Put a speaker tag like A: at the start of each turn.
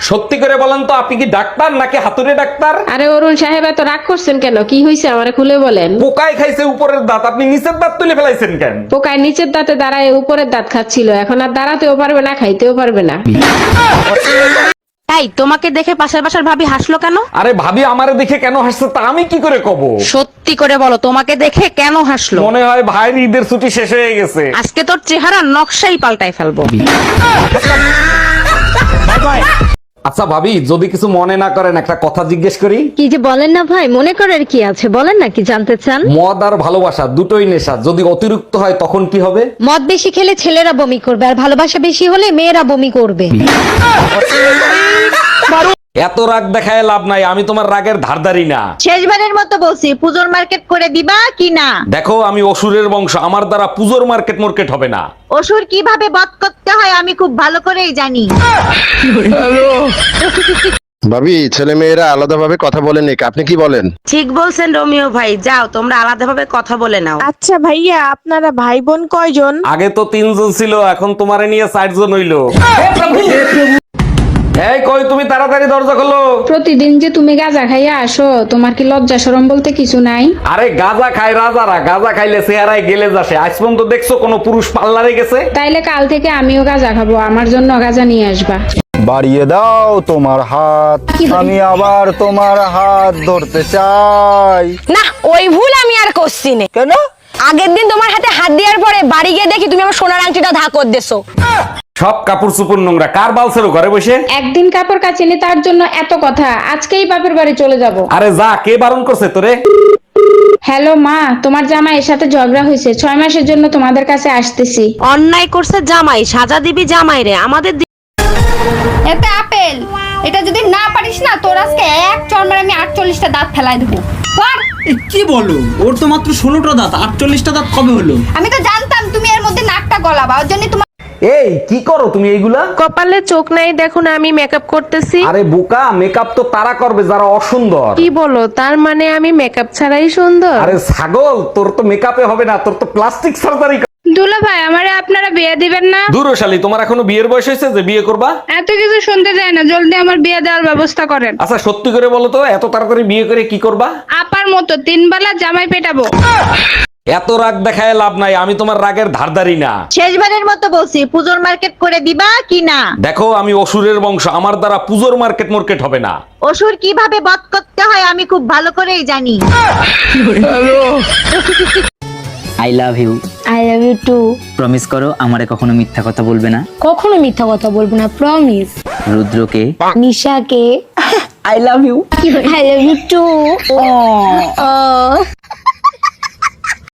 A: সত্যি করে বলেন তো, আপনি কি ডাক্তার নাকি হাতুড়ে ডাক্তার?
B: আরে অরুণ সাহেব, এত রাগ করছেন কেন? কি হয়েছে আমারে খুলে বলেন।
A: পোকায় খাইছে উপরের দাঁত, আপনি নিচের দাঁত তুলে ফেলাইছেন কেন?
B: পোকায় নিচের দাঁতে দাঁড়ায় উপরের দাঁত খাচ্ছিল, এখন আর দাঁড়াতেও পারবে না, খাইতেও পারবে না।
C: তাই তোমাকে দেখে পাশের বাসার ভাবি হাসলো কেন?
A: আরে ভাবি আমারে দেখে কেন হাসছে তা আমি কি করে কব?
C: সত্যি করে বলো, তোমাকে দেখে কেন হাসলো?
A: মনে হয় ভাইয়ের ঈদের ছুটি শেষ হয়ে গেছে।
C: আজকে তোর চেহারা নকশাই পাল্টাই ফেলবো।
A: আচ্ছা ভাবি, যদি কিছু মনে না করেন একটা কথা জিজ্ঞেস করি।
D: কি যে বলেন না ভাই, মনে করার কি আছে, বলেন না কি জানতে চান।
A: মদ আর ভালোবাসা দুটোই নেশা, যদি অতিরিক্ত হয় তখন কি হবে?
D: মদ বেশি খেলে ছেলেরা বমি করবে, আর ভালোবাসা বেশি হলে মেয়েরা বমি করবে।
A: এত রাগ দেখায় লাভ নাই, আমি তোমার রাগের ধারধারি না।
E: শেষবারের মতো বলছি, পুজোর মার্কেট করে দিবা কি না?
A: দেখো, আমি অসুরের বংশ, আমার দ্বারা পুজোর মার্কেট হবে না।
E: অসুর কিভাবে বধ করতে হয় আমি খুব ভালো করেই জানি।
F: ভাবি, ছেলে মেয়েরা আলাদাভাবে কথা বলেন, আপনি কি বলেন?
C: ঠিক বলছেন রোমিও ভাই, যাও তোমরা আলাদাভাবে কথা বলে নাও।
G: আচ্ছা ভাইয়া, আপনারা ভাই বোন কয়জন?
A: আগে তো 3 জন ছিল, এখন তোমারে নিয়ে 4 জন হইলো। এই কই তুমি, তাড়াতাড়ি দরজা খোলো।
B: প্রতিদিন যে তুমি গাঁজা খাইয়া আসো, তোমার কি লজ্জা শরম বলতে কিছু নাই?
A: আরে গাঁজা খায় রাজারা, গাঁজা খাইলে চেহারায় গেলে যাসে। আজ পর্যন্ত দেখছো কোনো পুরুষ পার্লারে গেছে?
B: তাইলে কাল থেকে আমিও গাঁজা খাবো, আমার জন্য গাঁজা নিয়ে আসবা।
H: বাড়িয়ে দাও তোমার হাত, আমি আবার তোমার হাত ধরতে চাই।
I: না, ওই ভুল আমি আর করছি না।
H: কেন?
I: আগের দিন তোমার হাতে হাত দেওয়ার পরে বাড়ি গিয়ে দেখি তুমি আমার সোনার আংটিটা ধাকর দেছো।
A: সব কাপড় চুপুর নোংরা, কার বালছেরো ঘরে বসে?
B: একদিন কাপড় কাচিনি তার জন্য এত কথা, আজকেই বাপের বাড়ি চলে যাব।
A: আরে যা, কে বারণ করছে তোরে?
B: হ্যালো মা, তোমার জামাইয়ের সাথে ঝগড়া হয়েছে, 6 মাসের জন্য তোমাদের কাছে আসতেছি।
C: অন্যায় করছে জামাই, সাজা দিবি জামাই রে। আমাদের
J: এতে আপেল, এটা যদি না পারিস না, তোর আজকে এক চড় আমি 48টা দাঁত ফেলাই দেবো।
K: কি বলো, ওর তো মাত্র 16টা দাঁত, 48টা দাঁত কবে হলো?
J: আমি তো জানতাম তুমি এর মধ্যে নাকটা গলাবা, ওর জন্য তোমার।
A: এই কি করো তুমি এইগুলা?
C: কপালে চোখ নাই দেখো না, আমি মেকআপ করতেছি।
A: আরে বোকা, মেকআপ তো তারা করবে যারা অসুন্দর।
C: কি বলো, তার মানে আমি মেকআপ ছাড়াই সুন্দর?
A: আরে ছাগল, তোর তো মেকআপে হবে না, তোর তো প্লাস্টিক সার্জারি।
B: দুলা ভাই, আমারে আপনারা বিয়ে দিবেন না?
A: দূরশালী, তোমার এখনো বিয়ের বয়স হয়েছে যে বিয়ে করবা?
B: এত কিছু শুনতে চাই না, জলদি আমার বিয়ে দেওয়ার ব্যবস্থা করেন।
A: আচ্ছা সত্যি করে বলো তো, এত তাড়াতাড়ি বিয়ে করে কি করবা?
B: আপার মতো 3 বেলা জামাই পেটাবো।
A: এত রাগ দেখায় লাভ নাই, আমি তোমার রাগের ধারধারি না।
E: শেষবারের মতো বলছি, পুজোর মার্কেট করে দিবা কি না?
A: দেখো, আমি অসুরের বংশ, আমার দ্বারা পুজোর মার্কেট হবে না।
E: অসুর কিভাবে বধ করতে হয় আমি খুব ভালো করেই জানি।
L: I love you.
D: I love you too.
L: Promise করো আমারে কখনো মিথ্যা কথা বলবে না।
D: কখনো মিথ্যা কথা বলবো না, প্রমিস।
L: রুদ্রকে,
D: নিশাকে
L: I love you.
D: I love you two.